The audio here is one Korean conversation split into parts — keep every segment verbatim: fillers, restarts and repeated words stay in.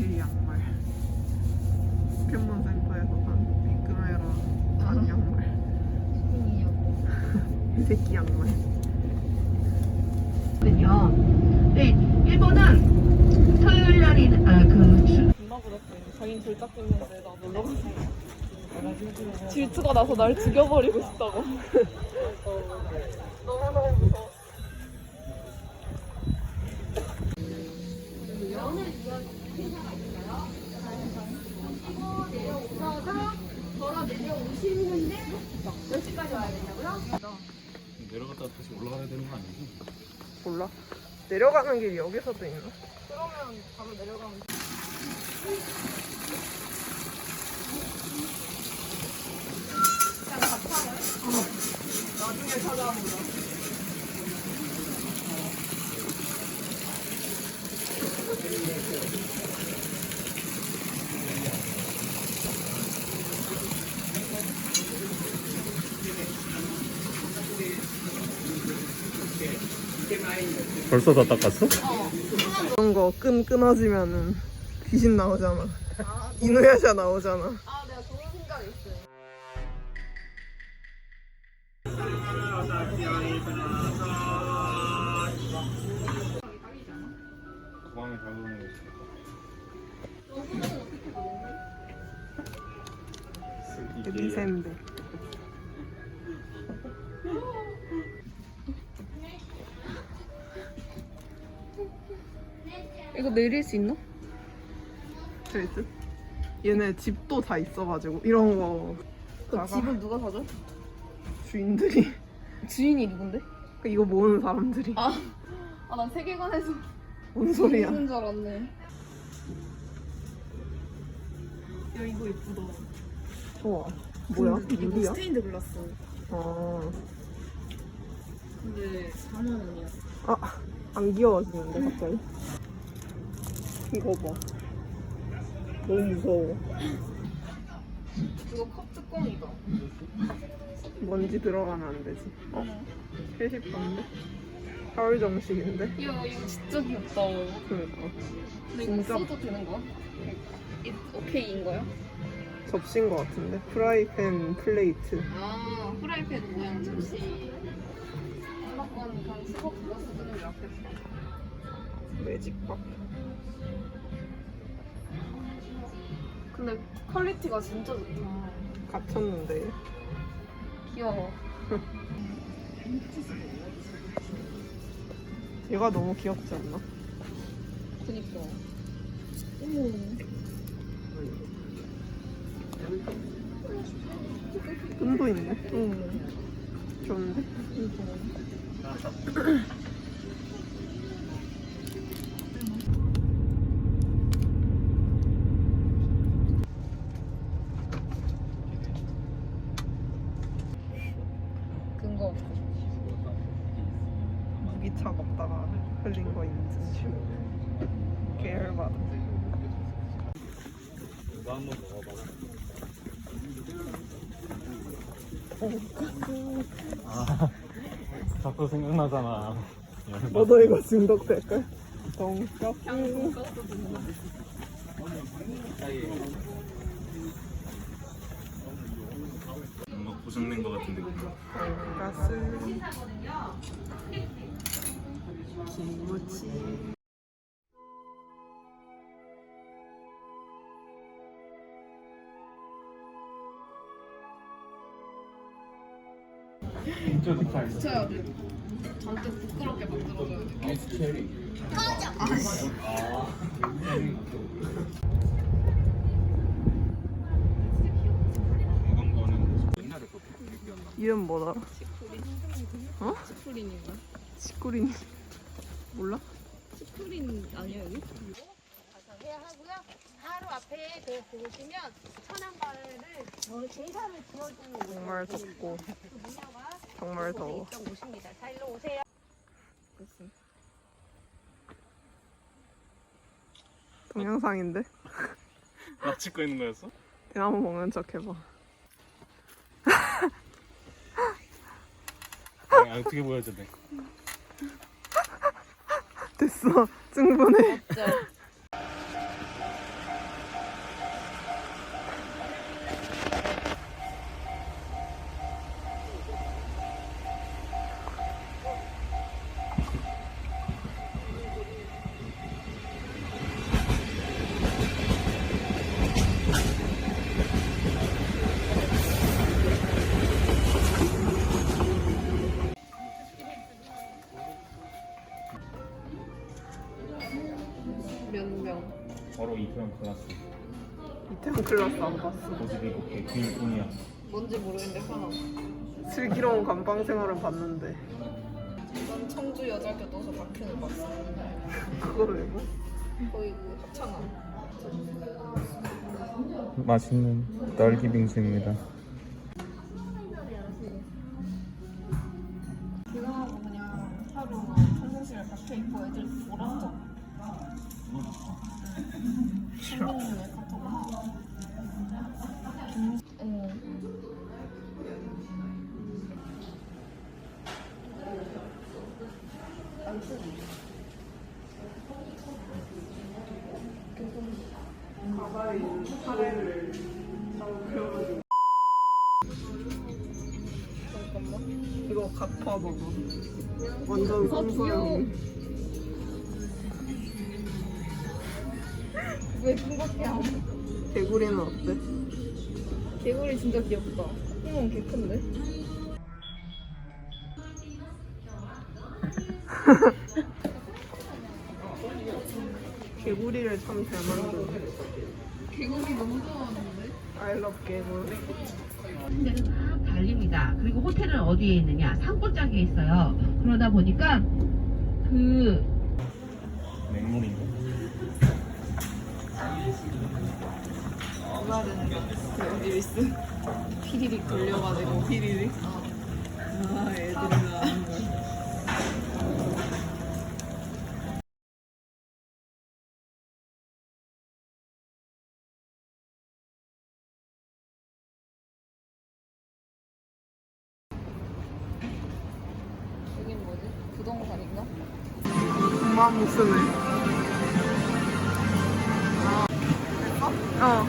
이 양말. 포켓몬센터에서 산 비끄메라 산 양말. 이 새끼 양말. 네, 일본은 토요일 날이 아그 존나 부럽대. 자긴 졸작 됐는데 나 놀러 갔어. 질투가 나서 날 죽여버리고 싶다고. 너무너무 무서워. 내려갔다가 다시 올라가야 되는 거 아니지? 몰라. 내려가는 길이 여기서도 있나? 그러면 바로 내려가면 돼. 나중에 찾아보자. 벌써 다 닦았어? 이런 거 끈 끊어지면은 귀신 나오잖아. 이누야샤 나오잖아. 아, 내가 좋은 생각이 있어요. 가방에 담그는 거 있어. 리센데. 이거 내릴 수 있나? 될 듯? 얘네 집도 다 있어가지고 이런 거. 그 나가. 집을 누가 사줘? 주인들이. 주인이 누군데? 이거 모으는 사람들이. 아, 아, 난 세계관에서 뭔 소리야? 있는 줄 알았네. 야, 이거 예쁘다. 좋아. 뭐야? 이거 유리야? 스테인드 글라스. 아, 근데 사만 원이야. 아, 안 귀여워지는데 갑자기? 이거 봐. 너무 무서워. 이거 컵 뚜껑이다. 먼지 들어가면 안 되지. 어? 회식 반대? 가을 정식인데? 야, 이거 진짜 귀엽다. 그러니까. 근데 이거 진짜. 써도 되는 거야? 이- 오케이인 거야? 접시인 것 같은데? 프라이팬 플레이트. 아, 프라이팬 모양 접시. 아까는 그냥 수거 그거 쓰는 게 낫겠다. 매직밥. 근데 퀄리티가 진짜 좋다. 갇혔는데. 귀여워. 얘가 너무 귀엽지 않나? 그니까. 어머. 끈도 있네. 응. 좋은데? 근거 없어. 무기차 먹다가 흘린 거 인증. 계열받아. 이거 한번 먹어봐. 아, 자꾸 생각나잖아. 너도 이거 중독될걸? 동떡. 뭔가 고장낸 거 같은 느낌. 돈가스. 김치. 붙여야 돼. 잔뜩 부끄럽게 만들어줘야 돼. 이건 거는 옛날에 그 얘기였나? 이름 뭐더라? 어? 치프린인가? 시꾸린. 몰라? 치프린 아니야 여기? 해야 하고요. 바로 앞에 그 보시면 천안가를 어, 제사를 지어주는 곳. 정말 덥고 그 문화와 정말 더워. 있던 곳입니다. 자, 일로 오세요. 동영상인데? 나 찍고 있는 거였어? 대나무 먹는 척 해봐. 아니, 어떻게 보여줘 돼? 됐어. 충분해. 진짜. 클라스. 이태원 클라스 안 봤어. 모습이 이렇게 비일뿐이야. 뭔지 모르겠는데 하나. 슬기로운 감방 생활은 봤는데 난 청주 여자교도소 박현을 봤어. 그걸 왜 봐? 거의 그 합창한. 맛있는 딸기 빙수입니다. 그거하고 그냥 하루 평상시에 박혀 있고 애들 보라죠. 신문에 카톡. 응. 가발에 있는 사례를 그려가지고 잠깐만. 이거 갚아 봐봐. 완전 성소형. 왜 궁극해야? 개구리는 어때? 개구리 진짜 귀엽다. 콧구멍 개 큰데? 개구리를 참 잘 만드네. 개구리 너무 좋아하는데? I love 개구리. 데는 막 달립니다. 그리고 호텔은 어디에 있느냐? 산골짜기에 있어요. 그러다 보니까 그 맹물인가? 그날은 그 릴스 피리릭 돌려가지고 피리리. 아 애들이 나오는 걸. 여긴 뭐지? 부동산인가? 엄마 무슨을? 어.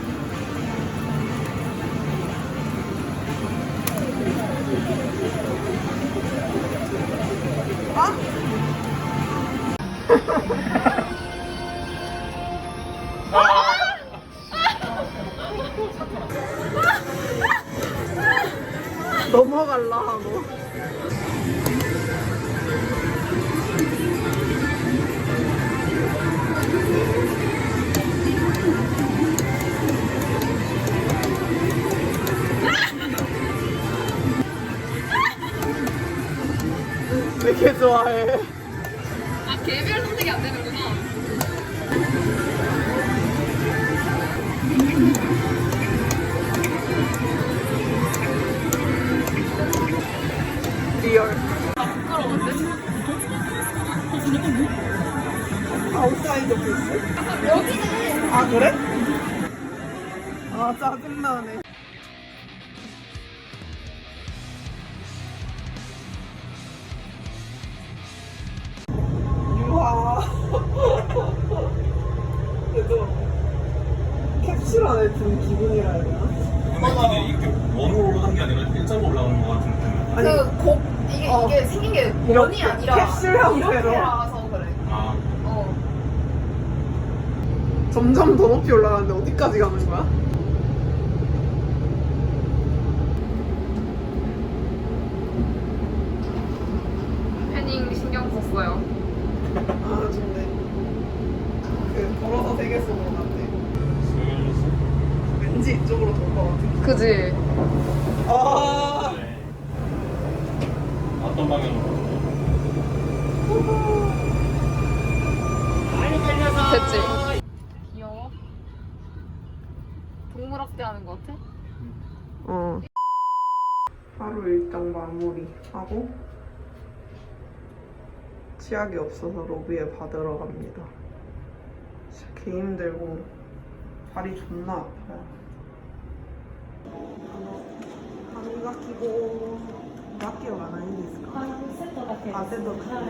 넘어갈라 하고. 왜 이렇게 좋아해? 아 개별 선택이 안 되는구나. 리얼. 부끄러운데? 아웃사이더 필스? 여기는 아 그래? 아 짜증나네. 유하와. 그래도 캡슐 안에 든 기분이라 해야 되나? 근데 이게 이렇게 원으로 올라간 게 아니라 일자로 올라오는 것 같은데. 아니 그곡 이게 어. 이게 생긴 게 이렇게 원이 아니라 캡슐 형태로. 이렇게라서 그래. 아, 어. 점점 더 높이 올라가는데 어디까지 가는 거야? 패닝 신경 썼어요. 아 좋네. 그 걸어서 세계 속으로 갔네. 슬슬. 왠지 이쪽으로 돌 것 같아. 그지? 아 어떤 방향으로? 됐지? 귀여워? 동물학대 하는 거 같아? 어. 하루 일정 마무리하고 치약이 없어서 로비에 받으러 갑니다. 진짜 개 힘들고 발이 존나 아파요.歯磨き粉だけはないんですか？セットだけです。あ、セットだ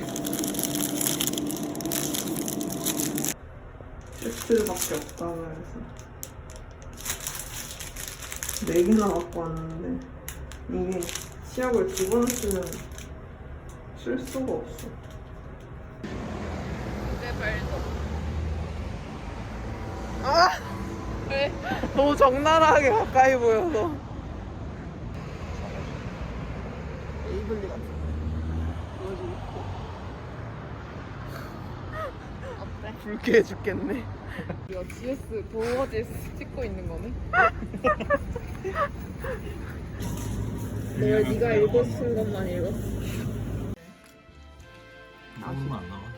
け。세트밖에 없다고 해서 네 개나 갖고 왔는데 이게 치약을 두 번 쓰면 쓸 수가 없어. 내 발도. 아! 왜? 너무 적나라하게 가까이 보여서. 에이블리 같은 거. 보여주고 싶어. 어때? 불쾌해 죽겠네. 이거 지에스 도어 지에스 찍고 있는 거네. 내가 네가 읽고 싶은 것만 읽어. 나오는 거안 나와.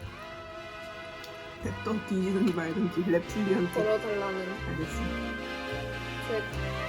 또 뒤지든지 말든지 랩틸리언트. 걸어달라는 알겠어. 책.